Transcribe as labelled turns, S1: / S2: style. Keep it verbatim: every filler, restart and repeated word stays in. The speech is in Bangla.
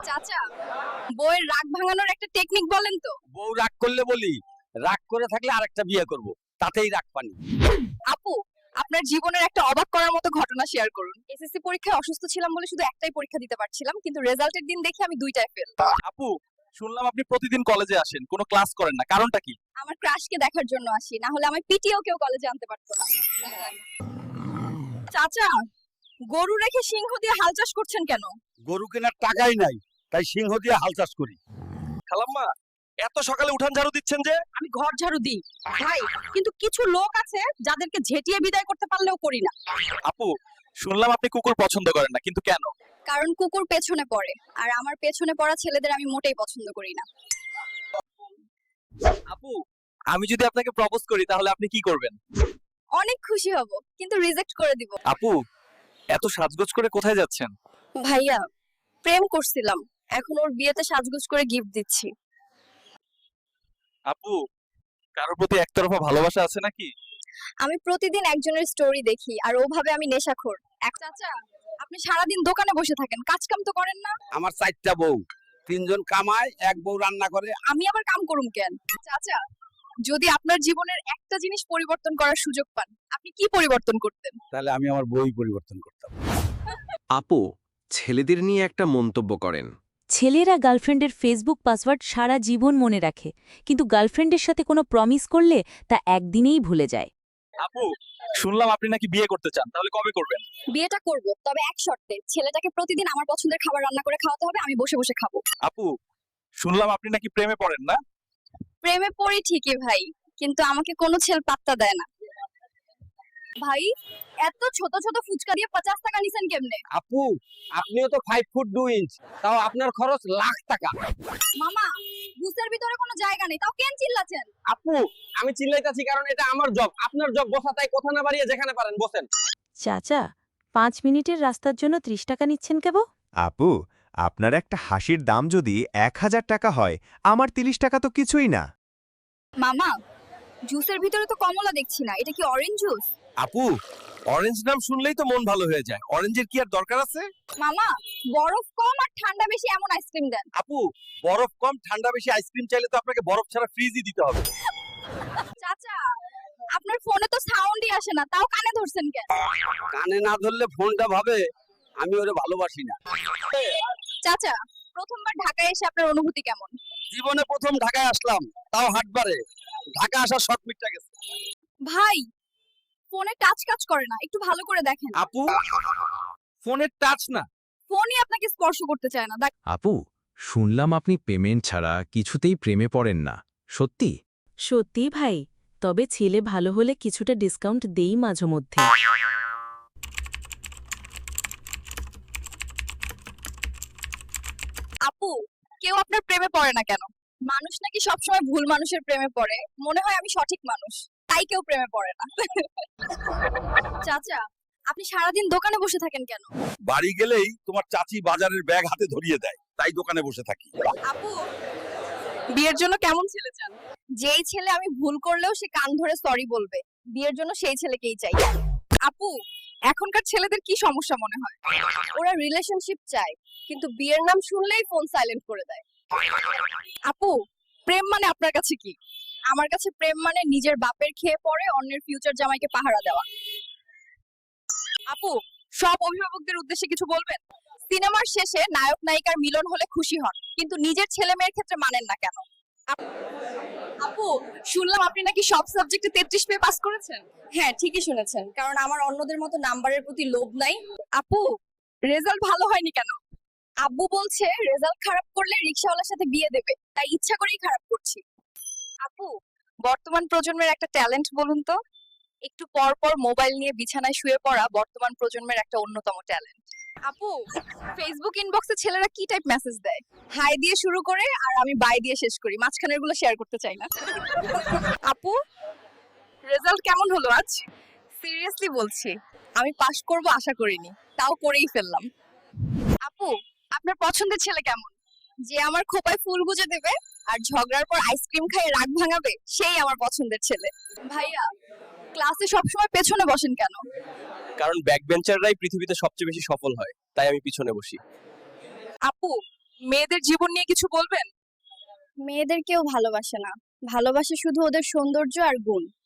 S1: চাচা, বউয়ের রাগ ভাঙানোর একটা টেকনিক বলেন তো।
S2: বউ রাগ করলে বলি, রাগ করে থাকলে আরেকটা বিয়ে করব, তাতেই রাগ পানি।
S1: আপু, আপনার জীবনের একটা অবাক করার মতো ঘটনা শেয়ার করুন। এসএসসি পরীক্ষায় অসুস্থ ছিলাম বলে শুধু একটাই পরীক্ষা দিতে পারছিলাম, কিন্তু রেজাল্টের দিন দেখি আমি দুইটায় ফেল।
S3: আপু, শুনলাম আপনি প্রতিদিন কলেজে আসেন, কোনো ক্লাস করেন না, কারণটা কি?
S1: আমার ক্রাশকে দেখার জন্য আসি, না হলে আমার পিটিও কেউ কলেজে আনতে পারতো না। চাচা, গরু রেখে সিংহ দিয়ে হাল চাষ করছেন কেন?
S2: গরু কেনার টাকাই নাই, তাই সিংহ দিয়ে হাল চাষ করি।
S3: খালাম্মা, এত সকালে উঠান ঝাড়ু দিচ্ছেন যে?
S1: আমি ঘর ঝাড়ু দিই ভাই, কিন্তু কিছু লোক আছে যাদেরকে ঝেঁটিয়ে বিদায় করতে পারলেও করি না।
S3: আপু, শুনলাম আপনি কুকুর পছন্দ করেন না, কিন্তু কেন?
S1: কারণ কুকুর পেছনে পড়ে, আর আমার পেছনে পড়া ছেলেদের আমি মোটেই পছন্দ করি না।
S3: আপু, আমি যদি আপনাকে প্রপোজ করি তাহলে আপনি কি করবেন?
S1: অনেক খুশি হব, কিন্তু রিজেক্ট করে দিব।
S3: আপু, এত সাজগোজ করে কোথায় যাচ্ছেন?
S1: ভাইয়া, প্রেম করছিলাম, এখন ওর বিয়েতে সাজগোজ করে গিফট দিচ্ছি।
S3: আপু, কারোর প্রতি একতরফা ভালোবাসা আছে নাকি?
S1: আমি প্রতিদিন একজনের স্টোরি দেখি, আর ও ভাবে আমি নেশাখোর। এক চাচা, আপনি সারাদিন দোকানে বসে থাকেন, কাজ কাম তো করেন না।
S2: আমার চারটা বউ, তিনজন কামায়, এক বউ রান্না করে।
S1: আমি আবার কাম করুম কেন? চাচা, যদি আপনার জীবনের একটা জিনিস পরিবর্তন করার সুযোগ পান, আপনি কি পরিবর্তন করতেন?
S2: তাহলে আমি আমার বই পরিবর্তন করতাম।
S4: আপু, ছেলেদের নিয়ে একটা মন্তব্য করেন।
S5: ছেলেরা গার্লফ্রেন্ডের ফেসবুক পাসওয়ার্ড সারা জীবন মনে রাখে, কিন্তু গার্লফ্রেন্ডের সাথে কোনো প্রমিস করলে তা একদিনেই ভুলে যায়।
S3: আপু, শুনলাম আপনি নাকি বিয়ে করতে চান, তাহলে কবে করবেন?
S1: বিয়েটা করব, তবে এক শর্তে, ছেলেটাকে প্রতিদিন আমার পছন্দের খাবার রান্না করে খাওয়াতে হবে, আমি বসে বসে খাবো।
S3: আপু, শুনলাম আপনি নাকি প্রেমে পড়েন না?
S1: প্রেমে পড়ি ঠিকই ভাই, কিন্তু আমাকে কোনো ছেলে পাত্তা দেয় না। ভাই, এত ছোট ছোট ফুচকা দিয়ে পঞ্চাশ টাকা নিছেন কেমনে?
S2: আপু, আপনিও তো ফাইভ ফুট দু ইঞ্চ, তাও আপনার খরচ লাখ টাকা।
S1: মামা, বুসের ভিতরে কোনো জায়গা নেই, তাও কেন চিল্লাছেন?
S2: আপু, আমি চিল্লাইতাছি কারণ এটা আমার জব, আপনার জব বসা, তাই কথা না বাড়িয়ে যেখানে পারেন বসেন।
S5: চাচা, পাঁচ মিনিটের রাস্তার জন্য ত্রিশ টাকা নিচ্ছেন কেব?
S6: আপু, আপনার একটা হাসির দাম যদি এক হাজার টাকা হয়, আমার তিরিশ টাকা তো কিছুই না।
S1: মামা, জুসের ভিতরে তো কমলা দেখছি না, এটা কি অরেঞ্জ জুস?
S3: আপু, অরেঞ্জ নাম শুনলেই তো মন ভালো হয়ে যায়, অরেঞ্জের কি আর দরকার আছে?
S1: মামা, বরফ কম আর ঠান্ডা বেশি এমন আইসক্রিম দেন।
S3: আপু, বরফ কম ঠান্ডা বেশি আইসক্রিম চাইলে তো আপনাকে বরফ ছাড়া ফ্রিজই দিতে হবে।
S1: চাচা, আপনার ফোনে তো সাউন্ডই আসে না, তাও কানে ধরছেন কেন?
S2: কানে না ধরলে ফোনটা ভাবে আমি ওরে ভালোবাসি না।
S1: চাচা, প্রথমবার ঢাকায় এসে আপনার অনুভূতি কেমন?
S2: জীবনে প্রথম ঢাকায় আসলাম, তাও হাটবারে। ঢাকা আসার শখ মিটটা গেছে।
S1: ভাই, ফোনে টাচ কাজ করে না, একটু ভালো করে দেখেন।
S3: আপু, ফোনের টাচ না।
S1: ফোনই আপনাকে স্পর্শ করতে চায় না। দেখ,
S4: আপু, শুনলাম আপনি পেমেন্ট ছাড়া কিছুতেই প্রেমে পড়েন না, সত্যি?
S5: সত্যি ভাই, তবে ছেলে ভালো হলে কিছুটা ডিসকাউন্ট দেই মাঝে মধ্যে।
S1: আপু, কেউ আপনার প্রেমে পড়ে না কেন? মানুষ নাকি সবসময় ভুল মানুষের প্রেমে পড়ে, মনে হয় আমি সঠিক মানুষ, তাই কেউ প্রেমে পড়ে না। চাচা, আপনি সারাদিন দোকানে বসে থাকেন কেন?
S2: বাড়ি গেলেই তোমার চাচি বাজারের ব্যাগ হাতে ধরিয়ে দেয়, তাই দোকানে বসে থাকি।
S1: আপু, বিয়ের জন্য কেমন ছেলে চান? যেই ছেলে আমি ভুল করলেও সে কান ধরে সরি বলবে, বিয়ের জন্য সেই ছেলেকেই চাই। আপু, এখনকার ছেলেদের কি সমস্যা মনে হয়? ওরা রিলেশনশিপ চায়, কিন্তু বিয়ের নাম শুনলেই ফোন সাইলেন্ট করে দেয়। আপু, প্রেম মানে আপনার কাছে কি? আমার কাছে প্রেম মানে নিজের বাপের খেয়ে পড়ে অন্যের ফিউচার জামাইকে পাহারা দেওয়া। আপু, সব অভিভাবকদের উদ্দেশ্যে কিছু বলবেন? সিনেমার শেষে নায়ক নায়িকার মিলন হলে খুশি হন, কিন্তু নিজের ছেলে মেয়ের ক্ষেত্রে মানেন না কেন? আপ- আপু, শুনলাম আপনি নাকি সব সাবজেক্টে তেত্রিশ পেয়ে পাস করেছেন। হ্যাঁ, ঠিকই শুনেছেন, কারণ আমার অন্যদের মতো নাম্বারের প্রতি লোভ নাই। আপু, রেজাল্ট ভালো হয়নি কেন? আব্বু বলছে রেজাল্ট খারাপ করলে রিকশাওয়ালার সাথে বিয়ে দেবে, তাই ইচ্ছা করেই খারাপ করছি। আপু, বর্তমান প্রজন্মের একটা ট্যালেন্ট বলুন তো? একটু পর পর মোবাইল নিয়ে বিছানায় শুয়ে পড়া বর্তমান প্রজন্মের একটা অন্যতম ট্যালেন্ট। আপু, ফেসবুক ইনবক্সে ছেলেরা কি টাইপ মেসেজ দেয়? হাই দিয়ে শুরু করে আর আমি বাই দিয়ে শেষ করি, মাঝখানের গুলো শেয়ার করতে চাই না। আপু, রেজাল্ট কেমন হলো আজ? সিরিয়াসলি বলছি, আমি পাশ করব আশা করিনি, তাও করেই ফেললাম। আপু, আপনার পছন্দের ছেলে কেমন? যে আমার খোপায় ফুল গুজে দেবে আর ঝগড়ার পর আইসক্রিম খাইয়ে রাগ ভাঙাবে, সেই আমার পছন্দের ছেলে। ভাইয়া, ক্লাসে সবসময় পেছনে বসেন কেন?
S3: কারণ ব্যাক বেঞ্চাররাই পৃথিবীতে সবচেয়ে বেশি সফল হয়, তাই আমি পিছনে বসি।
S1: আপু, মেয়েদের জীবন নিয়ে কিছু বলবেন?
S7: মেয়েদের কেউ ভালোবাসে না, ভালোবাসে শুধু ওদের সৌন্দর্য আর গুণ।